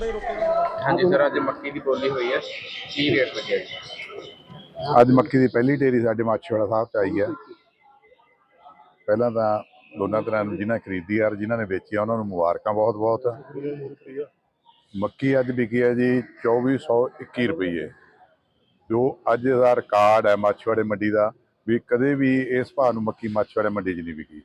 हाँ जी सर, अज मक्की की बोली हुई है, की रेट लगे जी? ਅੱਜ ਮੱਕੀ ਦੀ ਪਹਿਲੀ ਢੇਰੀ ਸਾਡੇ ਮਾਛੀਵਾੜਾ ਸਾਹਿਬ 'ਚ ਆਈ ਹੈ। ਪਹਿਲਾਂ ਤਾਂ ਦੋਨਾਂ ਤਰ੍ਹਾਂ ਨੂੰ ਜਿਨ੍ਹਾਂ ਖਰੀਦੀ ਔਰ ਜਿਨ੍ਹਾਂ ਨੇ ਵੇਚੀ ਉਹਨਾਂ ਨੂੰ ਮੁਬਾਰਕਾਂ ਬਹੁਤ ਬਹੁਤ। ਮੱਕੀ ਅੱਜ ਵਿਕੀ ਹੈ ਜੀ 2421 ਰੁਪਈਏ, ਜੋ ਅੱਜ ਦਾ ਰਿਕਾਰਡ ਹੈ ਮਾਛੀਵਾੜੇ ਮੰਡੀ ਦਾ, ਵੀ ਕਦੇ ਵੀ ਇਸ ਭਾਅ ਨੂੰ ਮੱਕੀ ਮਾਛੀਵਾੜੇ ਮੰਡੀ 'ਚ ਨਹੀਂ ਵਿਕੀ।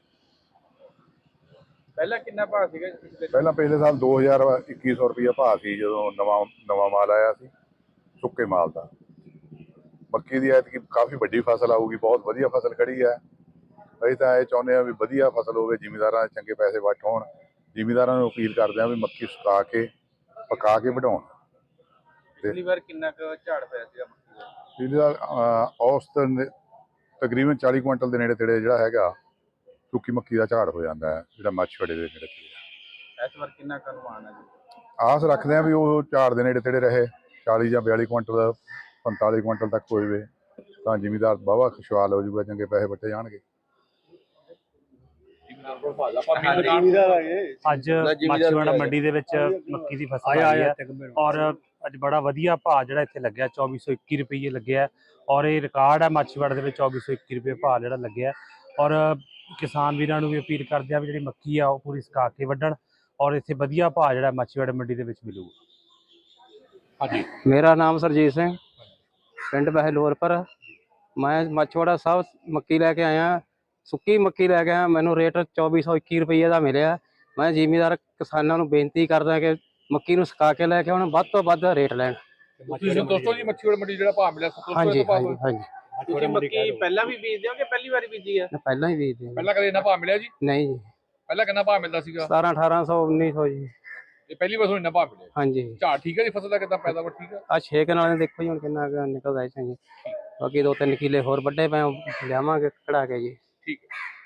ਪਹਿਲਾਂ ਕਿੰਨਾ ਭਾਅ ਸੀਗਾ? ਪਹਿਲਾਂ ਪਿਛਲੇ ਸਾਲ 2100 ਰੁਪਈਆ ਭਾਅ ਸੀ ਜਦੋਂ ਨਵਾਂ ਮਾਲ ਆਇਆ ਸੀ ਸੁੱਕੇ ਮਾਲ ਦਾ। ਮੱਕੀ ਦੀ ਐਤਕੀ ਕਾਫੀ ਵੱਡੀ ਫਸਲ ਆਊਗੀ, ਬਹੁਤ ਵਧੀਆ ਫਸਲ ਖੜੀ ਹੈ। ਅਸੀਂ ਤਾਂ ਇਹ ਚਾਹੁੰਦੇ ਹਾਂ ਵੀ ਵਧੀਆ ਫਸਲ ਹੋਵੇ, ਜ਼ਿਮੀਂਦਾਰਾਂ ਦੇ ਚੰਗੇ ਪੈਸੇ ਵੱਟ ਹੋਣ। ਜ਼ਿਮੀਂਦਾਰਾਂ ਨੂੰ ਅਪੀਲ ਕਰਦੇ ਹਾਂ ਵੀ ਮੱਕੀ ਸੁਕਾ ਕੇ ਪਕਾ ਕੇ ਵਢਾਉਣ। ਪਿਛਲੀ ਵਾਰ ਕਿੰਨਾ ਕੁ ਝਾੜ ਪਿਆ ਸੀਗਾ ਮੱਕੀ ਦਾ? ਪਿਛਲੀ ਵਾਰ ਔਸਤਨ ਤਕਰੀਬਨ 40 ਕੁਇੰਟਲ ਦੇ ਨੇੜੇ ਤੇੜੇ ਜਿਹੜਾ ਹੈਗਾ ਸੁੱਕੀ ਮੱਕੀ ਦਾ ਝਾੜ ਹੋ ਜਾਂਦਾ ਹੈ, ਜਿਹੜਾ ਮਾਛੀਵਾੜੇ ਦੇ ਨੇੜੇ ਤੇੜੇ। ਇਸ ਵਾਰ ਕਿੰਨਾ ਕੁ ਅਨੁਮਾਨ ਹੈ ਜੀ? ਆਸ ਰੱਖਦੇ ਹਾਂ ਵੀ ਉਹ ਝਾੜ ਦੇ ਨੇੜੇ ਤੇੜੇ ਰਹੇ, 40 ਜਾਂ 42 ਕੁਇੰਟਲ 45 ਕੁਇੰਟਲ ਤੱਕ ਹੋ ਜਾਵੇ ਤਾਂ ਜ਼ਿਮੀਂਦਾਰ ਵਾਹਵਾ ਖੁਸ਼ਹਾਲ ਹੋ ਜਾਊਗਾ, ਚੰਗੇ ਪੈਸੇ ਵੱਟੇ ਜਾਣਗੇ। ਅੱਜ ਮਾਛੀਵਾੜਾ ਮੰਡੀ ਦੇ ਵਿੱਚ ਮੱਕੀ ਦੀ ਫਸਲ ਆਈ ਹੈ ਔਰ ਅੱਜ ਬੜਾ ਵਧੀਆ ਭਾਅ ਜਿਹੜਾ ਇੱਥੇ ਲੱਗਿਆ 2421 ਰੁਪਏ ਲੱਗਿਆ ਔਰ ਇਹ ਰਿਕਾਰਡ ਹੈ ਮਾਛੀਵਾੜੇ ਦੇ ਵਿੱਚ 2421 ਰੁਪਏ ਭਾਅ ਜਿਹੜਾ ਲੱਗਿਆ। ਔਰ ਕਿਸਾਨ ਵੀਰਾਂ ਨੂੰ ਵੀ ਅਪੀਲ ਕਰਦੇ ਆ ਵੀ ਜਿਹੜੀ ਮੱਕੀ ਆ ਉਹ ਪੂਰੀ ਸੁਕਾ ਕੇ ਵੱਢਣ ਔਰ ਇੱਥੇ ਵਧੀਆ ਭਾਅ ਜਿਹੜਾ ਮਾਛੀਵਾੜਾ ਮੰਡੀ ਦੇ ਵਿੱਚ ਮਿਲੂਗਾ। ਹਾਂਜੀ, ਮੇਰਾ ਨਾਮ ਸਰਜੀਤ ਸਿੰਘ, ਪਿੰਡ ਬਹਿਲੋਰਪੁਰ। ਮੈਂ ਮਾਛੀਵਾੜਾ ਸਾਹਿਬ ਮੱਕੀ ਲੈ ਕੇ ਆਇਆ, ਸੁੱਕੀ ਮੱਕੀ ਲੈ ਕੇ ਆਇਆ। ਮੈਨੂੰ ਰੇਟ 2421 ਰੁਪਏ ਦਾ ਮਿਲਿਆ। ਮੈਂ ਜ਼ਿਮੀਂਦਾਰ ਕਿਸਾਨਾਂ ਨੂੰ ਬੇਨਤੀ ਕਰਦਾ ਕਿ ਮੱਕੀ ਨੂੰ ਸੁਕਾ ਕੇ ਲੈ ਕੇ ਆਉਣ, ਵੱਧ ਤੋਂ ਵੱਧ ਰੇਟ ਲੈਣ। ਦੋਸਤੋ ਜੀ ਮਾਛੀਵਾੜਾ ਮੰਡੀ ਜਿਹੜਾ ਭਾਅ ਮਿਲਿਆ ਹਾਂਜੀ ਹਾਂਜੀ ਹਾਂਜੀ। ਤੁਸੀਂ ਮੱਕੀ ਪਹਿਲਾਂ ਵੀ ਬੀਜਦੇ ਹੋ ਕਿ ਪਹਿਲੀ ਵਾਰੀ ਬੀਜੀ ਹੈ? ਪਹਿਲਾਂ ਹੀ ਬੀਜਦੇ। ਪਹਿਲਾਂ ਕਦੇ ਇੰਨਾ ਭਾਅ ਮਿਲਿਆ ਜੀ? ਨਹੀਂ ਜੀ। ਪਹਿਲਾਂ ਕਿੰਨਾ ਭਾਅ ਮਿਲਦਾ ਸੀਗਾ? 1700 1800 1900 ਜੀ। ਇਹ ਪਹਿਲੀ ਵਾਰ ਇੰਨਾ ਭਾਅ ਮਿਲਿਆ? ਹਾਂਜੀ। ਝਾੜ ਠੀਕ ਹੈ ਜੀ? ਫਸਲ ਦਾ ਕਿੱਦਾਂ ਪੈਦਾਵਾਰ ਠੀਕ ਹੈ? ਆ 6 ਕਨਾਲਾਂ ਦੇਖੋ ਜੀ ਹੁਣ ਕਿੰਨਾ ਨਿਕਲਦਾ ਜੀ। ਬਾਕੀ 2-3 ਕਿੱਲੇ ਹੋਰ ਵੱਡੇ ਪਏ ਲਿਆਵਾਂਗੇ ਕਢਾ ਕੇ ਜੀ। ਠੀਕ ਹੈ।